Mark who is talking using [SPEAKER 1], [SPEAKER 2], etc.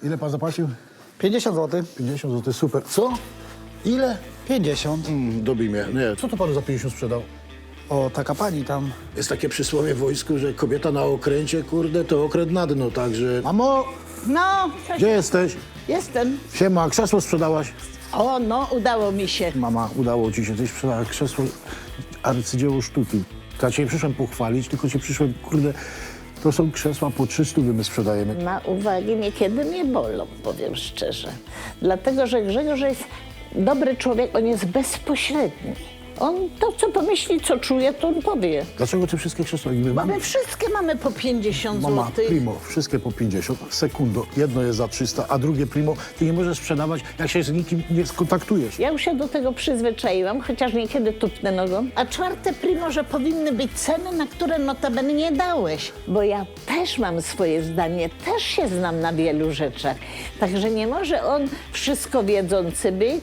[SPEAKER 1] Ile pan zapłacił?
[SPEAKER 2] 50 zł.
[SPEAKER 1] 50 zł, super. Co? Ile?
[SPEAKER 2] 50.
[SPEAKER 1] Dobij mnie. Nie. Co to panu za 50 sprzedał?
[SPEAKER 2] O, taka pani tam.
[SPEAKER 1] Jest takie przysłowie w wojsku, że kobieta na okręcie, kurde, to okręt na dno, także... Mamo,
[SPEAKER 3] No,
[SPEAKER 1] gdzie jesteś?
[SPEAKER 3] jestem.
[SPEAKER 1] Siema, krzesło sprzedałaś?
[SPEAKER 3] O, no, udało mi się.
[SPEAKER 1] Mama, udało ci się, tyś sprzedała krzesło, arcydzieło sztuki. Ja cię nie przyszłem pochwalić, tylko cię przyszłem, kurde, to są krzesła po 300 my sprzedajemy.
[SPEAKER 3] Na uwagi niekiedy mnie bolą, powiem szczerze. Dlatego, że Grzegorz jest dobry człowiek, on jest bezpośredni. On to, co pomyśli, co czuje, to on powie.
[SPEAKER 1] Dlaczego te wszystkie krzesła niby mamy?
[SPEAKER 3] My wszystkie mamy po 50
[SPEAKER 1] Mama,
[SPEAKER 3] zł.
[SPEAKER 1] primo, wszystkie po 50, sekundo, jedno jest za 300, a drugie primo, ty nie możesz sprzedawać, jak się z nikim nie skontaktujesz.
[SPEAKER 3] Ja już się do tego przyzwyczaiłam, chociaż niekiedy tupnę nogą. A czwarte primo, że powinny być ceny, na które notabene nie dałeś. Bo ja też mam swoje zdanie, też się znam na wielu rzeczach. Także nie może on wszystko wiedzący być